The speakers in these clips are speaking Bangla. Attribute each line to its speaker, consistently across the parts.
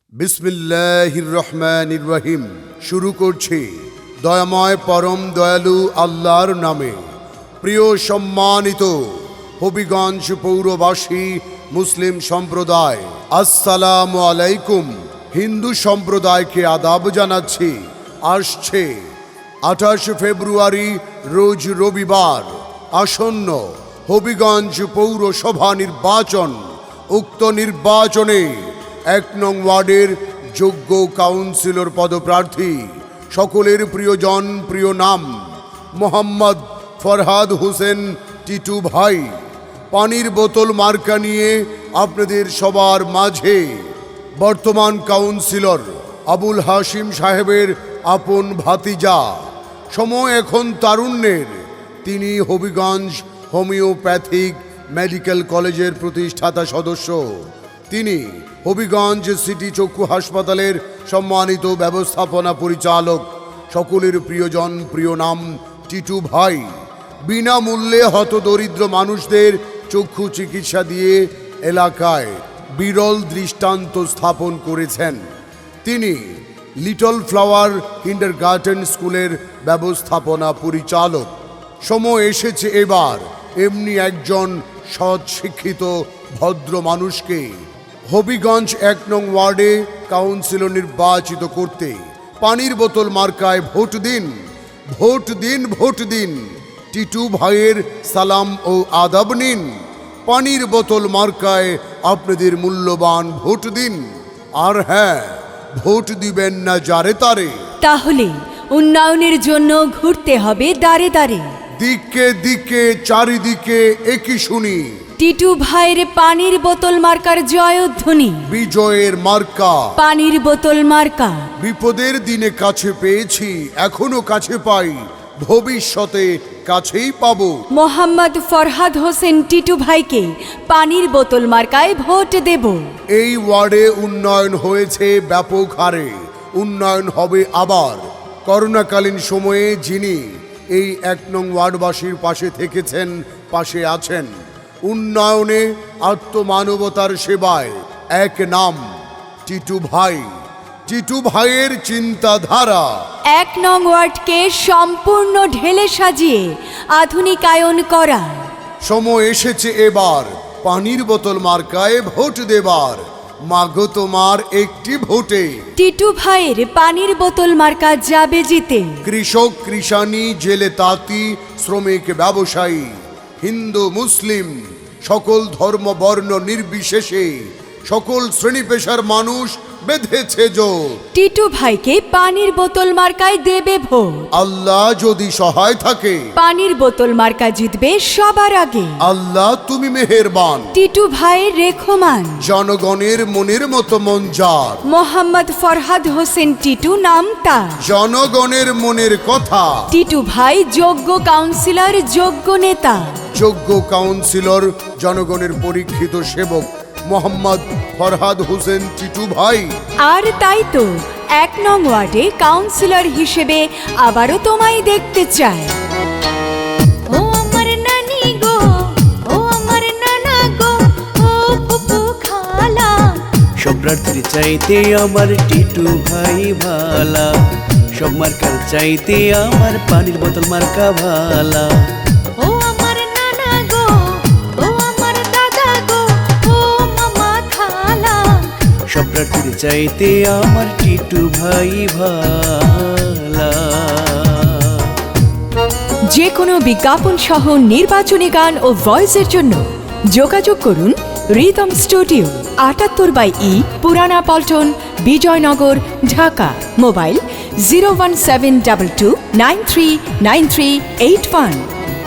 Speaker 1: বিসমিল্লাহির রহমানির রহিম। শুরু করছি দয়াময় পরম দয়ালু আল্লাহর নামে। প্রিয় সম্মানিত হবিগঞ্জ পৌরবাসী মুসলিম সম্প্রদায়, আসসালামু আলাইকুম। হিন্দু সম্প্রদায়কে আদাব জানাচ্ছি। আসছে 28 ফেব্রুয়ারি রোজ রবিবার আসন্ন হবিগঞ্জ পৌরসভা নির্বাচন। উক্ত নির্বাচনে 1 নং ওয়ার্ডের যোগ্য কাউন্সিলর পদপ্রার্থী সকলের প্রিয়জন, প্রিয় নাম মোহাম্মদ ফরহাদ হোসেন টিটু ভাই পানির বোতল মার্কা নিয়ে আপনাদের সবার মাঝে বর্তমান কাউন্সিলর আবুল হাশিম সাহেবের আপন ভাতিজা, সময় এখন তারুণ্যের। তিনি হবিগঞ্জ হোমিওপ্যাথিক মেডিকেল কলেজের প্রতিষ্ঠাতা সদস্য। তিনি হবিগঞ্জ সিটি চক্ষু হাসপাতালের সম্মানিত ব্যবস্থাপনা পরিচালক। সকলের প্রিয়জন, প্রিয় নাম টিটু ভাই বিনামূল্যে হতদরিদ্র মানুষদের চক্ষু চিকিৎসা দিয়ে এলাকায় বিরল দৃষ্টান্ত স্থাপন করেছেন। তিনি লিটল ফ্লাওয়ার কিন্ডারগার্টেন স্কুলের ব্যবস্থাপনা পরিচালক। সময় এসেছে এবার এমনি একজন সৎ শিক্ষিত ভদ্র মানুষকে হবিগঞ্জ 1 নং ওয়ার্ডে কাউন্সিলর নির্বাচিত করতে। পানির বোতল মার্কায় ভোট দিন, ভোট দিন, ভোট দিন। টিটু ভাইয়ের সালাম ও আদাব নিন। পানির বোতল মার্কায় আপনাদের মূল্যবান ভোট দিন। আর হ্যাঁ, ভোট দিবেন না যারে তারে।
Speaker 2: তাহলে উন্নয়নের জন্য ঘুরতে হবে দাঁড়ে দাঁড়ে।
Speaker 1: দিকে দিকে চারিদিকে একই শুনি
Speaker 2: টিটু ভাইয়ের পানির বোতল মার্কার জয়ধ্বনি।
Speaker 1: বিজয়ের মার্কা
Speaker 2: পানির বোতল মার্কা।
Speaker 1: বিপদের দিনে কাছে পেয়েছি, এখনো কাছে পাই, ভবিষ্যতে কাছেই পাবো।
Speaker 2: মোহাম্মদ ফরহাদ হোসেন টিটু ভাইকে পানির বোতল মার্কায় ভোট দেব।
Speaker 1: এই ওয়ার্ডে উন্নয়ন হয়েছে ব্যাপক হারে, উন্নয়ন হবে আবার। করোনাকালীন সময়ে যিনি এই 1 নং ওয়ার্ডবাসীর পাশে থেকেছেন, পাশে আছেন, উন্নয়নে আত্মমানবতার সেবায় এক নাম টিটু ভাই। টিটু ভাইয়ের চিন্তাধারা
Speaker 2: 1 নং ওয়ার্ডকে সম্পূর্ণ ঢেলে সাজিয়ে আধুনিকায়ন করা।
Speaker 1: সময় এসেছে এবার পানির বোতল মার্কায় ভোট দেবার। মাগো তোমার একটি ভোটে
Speaker 2: টিটু ভাইয়ের পানির বোতল মার্কা যাবে জিতে।
Speaker 1: কৃষক, কৃষানি, জেলে তাঁতি, শ্রমিক, ব্যবসায়ী, হিন্দু মুসলিম সকল ধর্ম বর্ণ নির্বিশেষে সকল শ্রেণী পেশার মানুষ বেঁধেছে জোর।
Speaker 2: টিটু ভাইকে পানির বোতল মার্কায় দেবে ভোট।
Speaker 1: আল্লাহ যদি সহায় থাকে
Speaker 2: পানির বোতল মার্কা জিতবে সবার আগে।
Speaker 1: আল্লাহ তুমি মেহেরবান।
Speaker 2: টিটু ভাইয়ের রেখমান।
Speaker 1: জনগণের মনের মতো মন যার।
Speaker 2: মোহাম্মদ ফরহাদ হোসেন টিটু নাম তার।
Speaker 1: জনগণের মনের কথা।
Speaker 2: টিটু ভাই যোগ্য কাউন্সিলর, যোগ্য নেতা।
Speaker 1: যোগ্য কাউন্সিলর, জনগণের পরীক্ষিত সেবক মোহাম্মদ ফরহাদ হোসেন টিটু ভাই।
Speaker 2: আর তাই তো 1 নং ওয়ার্ডে কাউন্সিলর হিসেবে আবারও তোমায় দেখতে চাই। ও আমার নানি গো, ও আমার নানা গো, ও ফুফু খালা।
Speaker 3: সব প্রার্থীর চাইতে আমার টিটু ভাই ভালা, সব মার্কার চাইতে আমার পানির বোতল মার্কা ভালা।
Speaker 2: ও আমার নানা গো, ও আমার দাদা গো, ও মামা খালা।
Speaker 3: সব প্রার্থীর চাইতে আমার টিটু ভাই ভালা।
Speaker 2: যে কোনো বিজ্ঞাপন সহ নির্বাচনী গান ও ভয়েসের জন্য যোগাযোগ করুন রিদম স্টুডিও, 78/E, পুরানা পল্টন, বিজয়নগর, ঢাকা। মোবাইল 01722939381।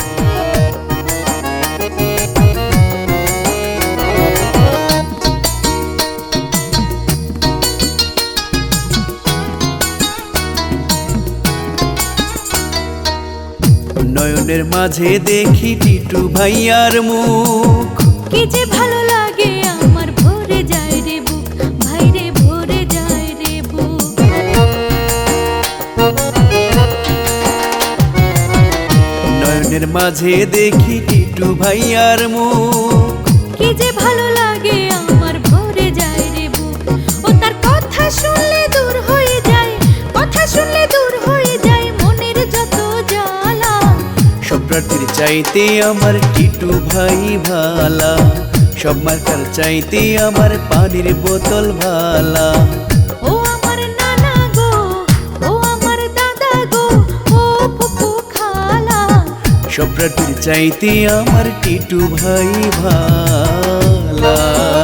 Speaker 3: নয়নের মাঝে দেখি টিটু ভাইয়ার মুখ,
Speaker 2: কি যে ভালো লাগে আমার, ভরে যায় রে বুক, ভাইরে ভরে যায় রে বুক।
Speaker 3: নয়নের মাঝে দেখি টিটু ভাইয়ার মুখ,
Speaker 2: কি যে ভালো লাগে আমার, ভরে যায় রে বুক। ও তার কথা
Speaker 3: প্রার্থীর চাইতে আমার টিটু ভাই ভালা, সব মার্কার চাইতে আমার পানির বোতল ভালা।
Speaker 2: ও আমার নানা গো, ও আমার দাদা গো, ও ফুফু খালা,
Speaker 3: সব প্রার্থীর চাইতে আমার টিটু ভাই ভালা।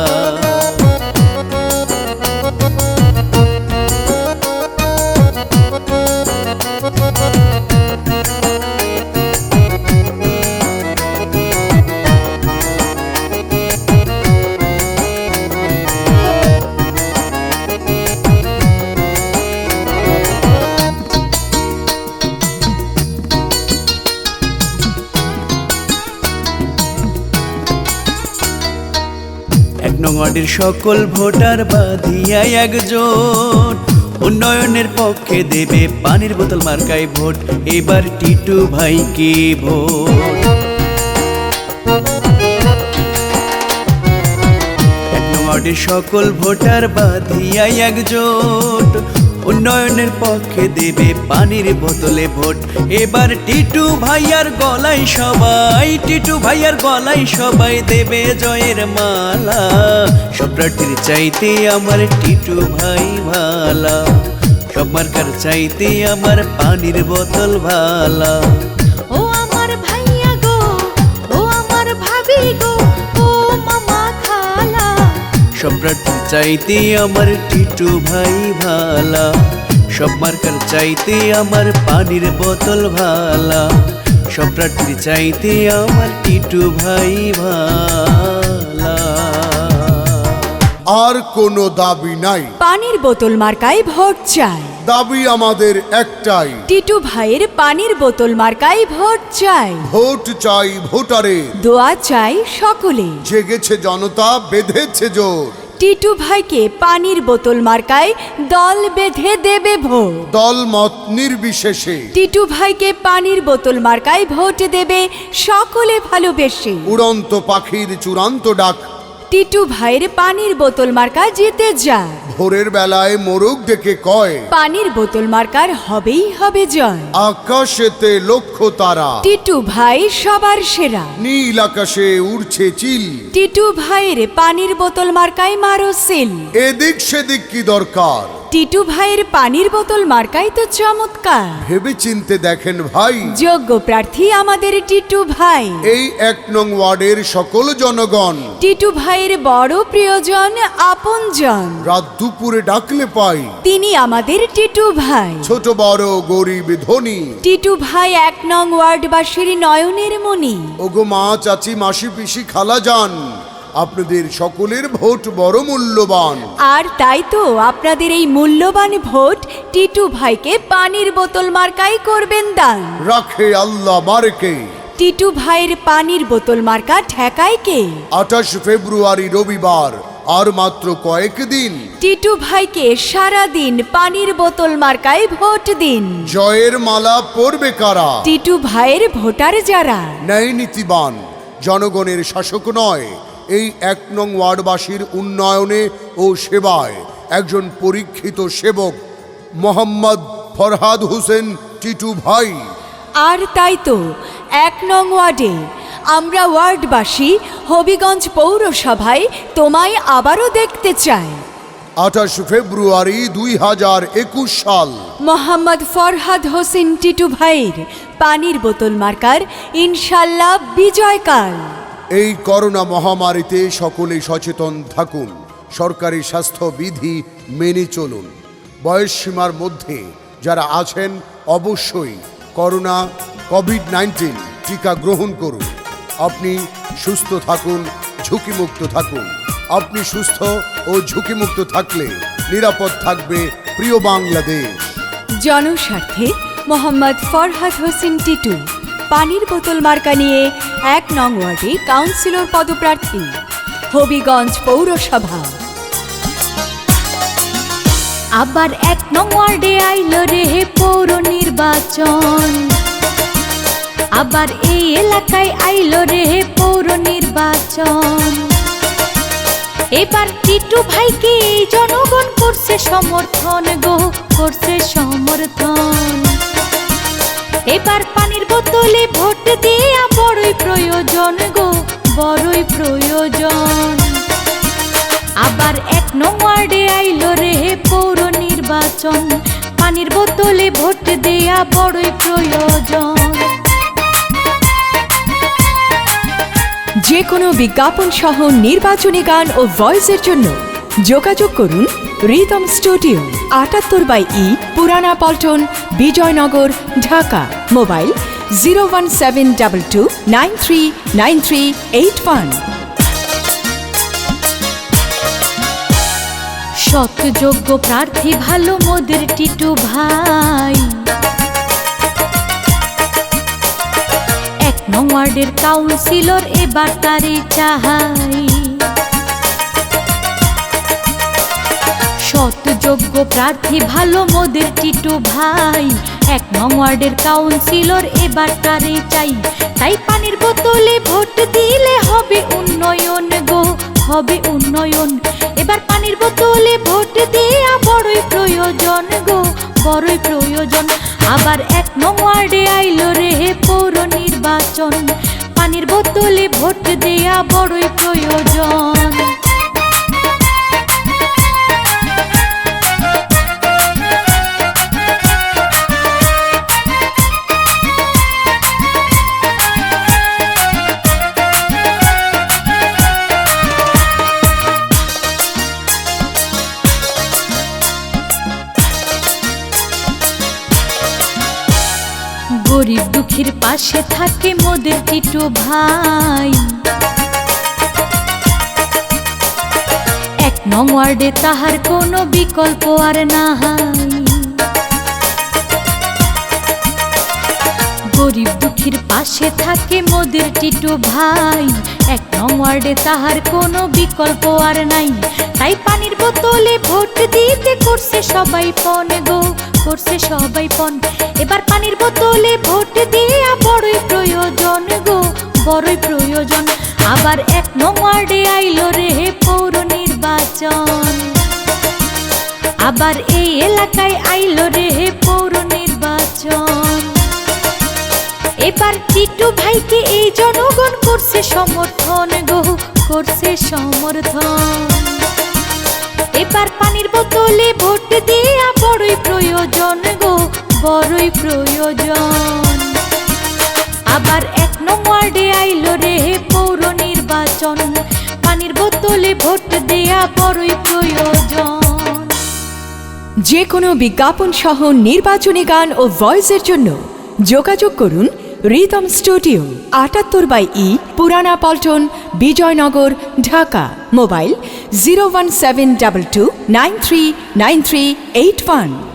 Speaker 3: এক নং ওয়ার্ডের সকল ভোটার বাঁধিয়া একজোট, উন্নয়নের পক্ষে দেবে পানির বোতল মার্কায় ভোট, এবার টিটু ভাইকে ভোট। এক নং ওয়ার্ডের সকল ভোটার বাঁধিয়া একজোট, উন্নয়নের পক্ষে দেবে পানির বোতলে ভোট, এবার টিটু ভাইয়ার গলায় সবাই, টিটু ভাইয়ার গলায় সবাই দেবে জয়ের মালা। সব প্রার্থীর চাইতে আমার টিটু ভাই ভালা, সব মার্কার চাইতে আমার পানির বোতল ভালা।
Speaker 2: ও আমার ভাইয়া গো, ও আমার ভাবি গো, ও মামা খালা,
Speaker 3: সব প্রার্থীর চাইতে আমার টিটু ভাই ভালা, সব মার্কার চাইতে আমার পানির বোতল ভালা। সব প্রার্থীর চাইতে আমার টিটু ভাই ভালা।
Speaker 1: আর কোনো দাবি নাই,
Speaker 2: পানির বোতল মার্কায় ভোট চাই,
Speaker 1: দাবি আমাদের একটাই,
Speaker 2: টিটু ভাইয়ের পানির বোতল মার্কায় ভোট চাই।
Speaker 1: ভোট চাই ভোটারে,
Speaker 2: দোয়া চাই সকলে,
Speaker 1: জেগেছে জনতা বেঁধেছে জোর,
Speaker 2: টিটু ভাইকে পানির বোতল মার্কায় দল বেঁধে দেবে ভোট।
Speaker 1: দল মত নির্বিশেষে,
Speaker 2: টিটু ভাইকে পানির বোতল মার্কায় ভোট দেবে সকলে ভালোবেসে।
Speaker 1: উড়ন্ত পাখির চূড়ান্ত ডাক,
Speaker 2: টিটু ভাইয়ের পানির বোতল মার্কা জিতে যায়,
Speaker 1: ভোরের বেলায় মোরগ ডেকে কয়,
Speaker 2: পানির বোতল মার্কার হবেই হবে জয়।
Speaker 1: আকাশেতে লক্ষ্য তারা,
Speaker 2: টিটু ভাই সবার সেরা,
Speaker 1: নীল আকাশে উড়ছে চিল,
Speaker 2: টিটু ভাইয়ের পানির বোতল মার্কায় মারো সিল।
Speaker 1: এদিক সেদিক কি দরকার,
Speaker 2: টিটু ভাইয়ের পানির বোতল মার্কাই তো চমৎকার,
Speaker 1: ভেবে চিনতে দেখেন ভাই,
Speaker 2: যোগ্য প্রার্থী আমাদের টিটু ভাই।
Speaker 1: এই 1 নং ওয়ার্ডের সকল জনগণ,
Speaker 2: টিটু ভাইয়ের বড় প্রিয়জন আপনজন,
Speaker 1: রাত দুপুরে ডাকলে পাই,
Speaker 2: তিনি আমাদের টিটু ভাই।
Speaker 1: ছোট বড় গরিব ধনী,
Speaker 2: টিটু ভাই 1 নং ওয়ার্ডবাসীর নয়নের মণি।
Speaker 1: ওগো মা চাচি মাসি পিসি খালা যান, আপনাদের সকলের ভোট বড় মূল্যবান,
Speaker 2: আর তাই তো আপনাদের এই মূল্যবান ভোট টিটু ভাইকে পানির বোতল মার্কাই করবেন দান।
Speaker 1: রাখে আল্লাহ মারকে।
Speaker 2: টিটু ভাইয়ের পানির বোতল মার্কা ঠেকায় কে?
Speaker 1: 28 ফেব্রুয়ারি রবিবার, আর মাত্র কয়েকদিন,
Speaker 2: টিটু ভাইকে সারা দিন পানির বোতল মার্কায় ভোট দিন।
Speaker 1: জয়ের মালা পরবে কারা,
Speaker 2: টিটু ভাইয়ের ভোটার যারা,
Speaker 1: ন্যায় নীতিবান, জনগণের শাসক নয়, এই 1 নং ওয়ার্ডবাসীর উন্নয়নে ও সেবায় একজন পরীক্ষিত সেবক মোহাম্মদ ফরহাদ হোসেন টিটু ভাই।
Speaker 2: আর তাই তো 1 নং ওয়ার্ডে আমরা ওয়ার্ডবাসী হবিগঞ্জ পৌরসভায় তোমায় আবারও দেখতে চাই।
Speaker 1: 28 ফেব্রুয়ারি 2021 সাল,
Speaker 2: মোহাম্মদ ফরহাদ হোসেন টিটু ভাইয়ের পানির বোতল মার্কার ইনশাল্লাহ বিজয়কাল।
Speaker 1: এই করোনা মহামারীতে সকলে সচেতন থাকুন, সরকারি স্বাস্থ্যবিধি মেনে চলুন, বয়স সীমার মধ্যে যারা আছেন অবশ্যই করোনা কোভিড-19 টিকা গ্রহণ করুন। আপনি সুস্থ থাকুন, ঝুঁকিমুক্ত থাকুন। আপনি সুস্থ ও ঝুঁকিমুক্ত থাকলে নিরাপদ থাকবে প্রিয় বাংলাদেশ।
Speaker 2: জনস্বার্থে মোহাম্মদ ফরহাদ হোসেন টিটু, পানির বোতল মার্কা নিয়ে 1 নং ওয়ার্ডে কাউন্সিলর পদপ্রার্থী, হবিগঞ্জ পৌরসভা। আবার 1 নং ওয়ার্ডে আইলো রে পৌর নির্বাচন, আবার এই এলাকায় আইলো রে পৌর নির্বাচন। এবার টিটু ভাইকে জনগণ করছে সমর্থন গো, করছে সমর্থন। এবার পানির বোতলে ভোট দেয়া বড়ই প্রয়োজন গো, বড়ই প্রয়োজন। আবার 1 নং ওয়ার্ডে আইলো রে পৌর নির্বাচন, পানির বোতলে ভোট দেয়া বড়ই প্রয়োজন। যে কোনো বিজ্ঞাপন সহ নির্বাচনী গান ও ভয়েসের জন্য যোগাযোগ করুন রিদম স্টুডিও, 78/E, পুরানা পল্টন, বিজয়নগর, ঢাকা। মোবাইল 01722939381। সৎ যোগ্য প্রার্থী ভালো মোদের টিটু ভাই, 1 নং ওয়ার্ডের কাউন্সিলর এবার তারই চাই। সৎ যোগ্য প্রার্থী ভালো মোদের টিটু ভাই, 1 নং ওয়ার্ডের কাউন্সিলর এবার তারই চাই। তাই পানির বোতলে ভোট দিলে হবে উন্নয়ন গো, হবে উন্নয়ন। এবার পানির বোতলে ভোট দেয়া বড়ই প্রয়োজন গো, বড়ই প্রয়োজন। আবার 1 নং ওয়ার্ডে আইলো রে পৌর নির্বাচন, পানির বোতলে ভোট দেয়া বড়ই প্রয়োজন। গরিব দুঃখীর পাশে থাকে মোদের টিটু ভাই, 1 নং ওয়ার্ডে তাহার কোনো বিকল্প আর নাই। গরিব দুঃখীর পাশে থাকে মোদের টিটু ভাই, 1 নং ওয়ার্ডে তাহার কোনো বিকল্প আর নাই। তাই পানির বোতলে ভোট দিতে করছে সবাই পণ গো, করছে সবাই পণ। এবার পানির বোতলে ভোট দেয়া বড়ই প্রয়োজন গো, বড়ই প্রয়োজন। আবার 1 নং ওয়ার্ডে আইলো রে পৌর নির্বাচন, আবার এই এলাকায় আইলো রে পৌর নির্বাচন। এবার টিটু ভাইকে এই জনগণ করছে সমর্থন গো, করছে সমর্থন। এবার পানির বোতলে ভোট দেয়া বড়ই প্রয়োজন গো, বড়ই প্রয়োজন। আবার 1 নং ওয়ার্ডে আইলো রে পৌর নির্বাচন, পানির বোতলে ভোট দেয়া বড়ই প্রয়োজন। যে কোনো বিজ্ঞাপন সহ নির্বাচনী গান ও ভয়েসের জন্য যোগাযোগ করুন রিদম স্টুডিও, 78/E, পুরানা পল্টন, বিজয়নগর, ঢাকা। মোবাইল 01722939381।